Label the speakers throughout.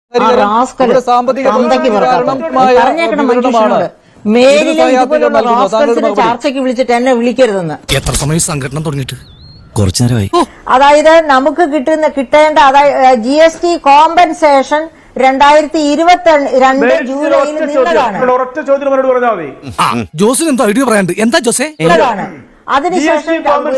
Speaker 1: ചർച്ചയ്ക്ക് വിളിച്ചിട്ട് എന്നെ വിളിക്കരുതെന്ന്.
Speaker 2: എത്ര സമയം സംഘടന തുടങ്ങിയിട്ട്? കുറച്ചു നേരമായി.
Speaker 1: അതായത് നമുക്ക് കിട്ടേണ്ട അതായത് GST കോമ്പൻസേഷൻ 2022 ജൂലൈയിൽ നിന്നതാണ്.
Speaker 2: ജോസിന് എന്താ ഐഡിയ പറയാണ്ട്? എന്താ ജോസേ?
Speaker 1: അതിനുശേഷം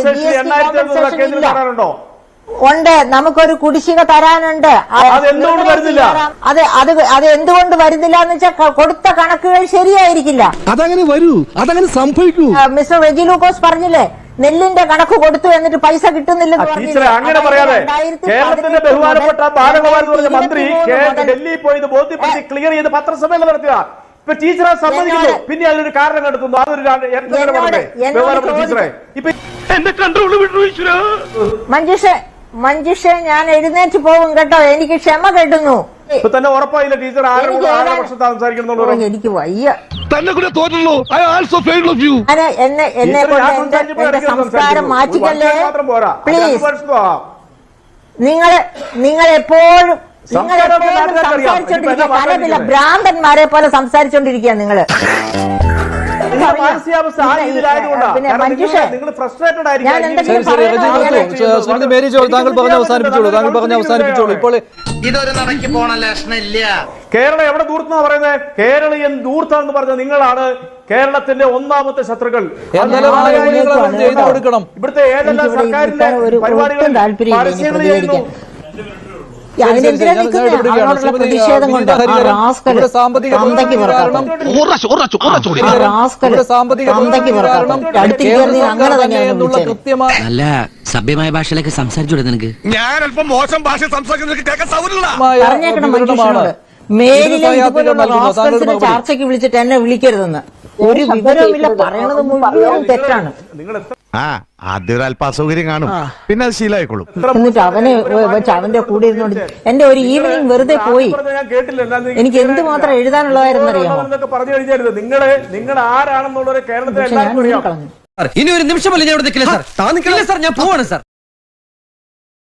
Speaker 1: ഉണ്ട്, നമുക്കൊരു കുടിശ്ശിക തരാനുണ്ട്. അത് എന്തുകൊണ്ട് വരുന്നില്ല എന്ന് വെച്ചാൽ കൊടുത്ത കണക്കുകൾ ശരിയായിരിക്കില്ല.
Speaker 3: അതങ്ങനെ വരൂ, അതങ്ങനെ സംഭവിക്കൂ.
Speaker 1: മിസ്റ്റർ റെജി ലൂക്കോസ് പറഞ്ഞില്ലേ, നെല്ലിന്റെ കണക്ക് കൊടുത്തു എന്നിട്ട് പൈസ കിട്ടുന്നില്ലെന്ന്
Speaker 4: ടീച്ചറെ അങ്ങനെ പറയാതെ കേരളത്തിന്റെ ബഹുമാനപ്പെട്ട ബാലഗോപാൽ എന്ന് പറഞ്ഞ മന്ത്രി ഡൽഹിയിൽ പോയി ഇത് ബോധ്യപ്പെടുത്തി ക്ലിയർ ചെയ്ത് പത്രസമ്മേളനം നടത്തുക. ഇപ്പൊ ടീച്ചറെ സമ്മതിക്കുന്നു, പിന്നെ അതിനൊരു കാരണം കണ്ടെത്തുന്നു. അതൊരു ടീച്ചറെ ഇപ്പൊ എന്റെ കൺട്രോൾ
Speaker 1: മഞ്ജുഷ ഞാൻ എഴുന്നേറ്റ് പോകും കേട്ടോ, എനിക്ക് ക്ഷമ കെട്ടുന്നു.
Speaker 4: ഇപ്പൊ തന്നെ ഉറപ്പായില്ല ടീച്ചർ ആരുടെ പക്ഷത്ത് സംസാരിക്കുന്നുള്ളൂ.
Speaker 1: എനിക്ക് വയ്യ.
Speaker 3: തന്നെ കൂടെ തോന്നുള്ളൂ. I also fail of you.
Speaker 1: എന്നെ കൊണ്ട് എന്റെ സംസ്കാരം മാറ്റിക്കല്ലേ പ്ലീസ്. നിങ്ങൾ എപ്പോഴും സംസാരിച്ചോണ്ടിരിക്കുക, പലതില്ല ഭ്രാന്തന്മാരെ പോലെ സംസാരിച്ചോണ്ടിരിക്കുക നിങ്ങള്.
Speaker 5: ഇതൊരു നടക്കി പോണ ലക്ഷണില്ല.
Speaker 4: കേരളം എവിടെ ദൂർത്താ പറയുന്നത്? കേരളീയൻ ദൂർത്താന്ന് പറഞ്ഞ നിങ്ങളാണ് കേരളത്തിന്റെ ഒന്നാമത്തെ ശത്രുക്കൾ. ഇവിടുത്തെ ഏതെല്ലാം സർക്കാരിന്റെ പരിപാടികൾ
Speaker 1: പ്രതിഷേധം കൊണ്ട്
Speaker 6: നല്ല സഭ്യമായ ഭാഷയിലേക്ക് സംസാരിച്ചൂടെ നിനക്ക്?
Speaker 3: ഞാൻ അല്പം മോശം ഭാഷ സംസാരിക്കുന്നത്
Speaker 1: മേലിലെ ചർച്ചയ്ക്ക് വിളിച്ചിട്ട് എന്നെ വിളിക്കരുതെന്ന്. ഒരു വിവരവുമില്ല, പറയണത് മുഴുവൻ തെറ്റാണ്.
Speaker 3: ആദ്യം അല്പ അസൗകര്യം കാണും, പിന്നെ അത് ശീലമായിക്കോളും.
Speaker 1: എന്നിട്ട് അവനെ വെച്ച് അവന്റെ കൂടെ ഇരുന്നോണ്ട് എന്റെ ഒരു ഈവനിങ് വെറുതെ പോയി. എനിക്ക് എന്തുമാത്രം എഴുതാനുള്ളതായിരുന്നറിയാമോ?
Speaker 4: നിങ്ങൾ ആരാണെന്നുള്ളത് കേരളത്തിൽ എല്ലാവർക്കും അറിയാം.
Speaker 6: ഇനി ഒരു നിമിഷമല്ല ഞാൻ ഇവിടെ നിൽക്കില്ല സാർ. ഞാൻ പോവാണ് സാർ.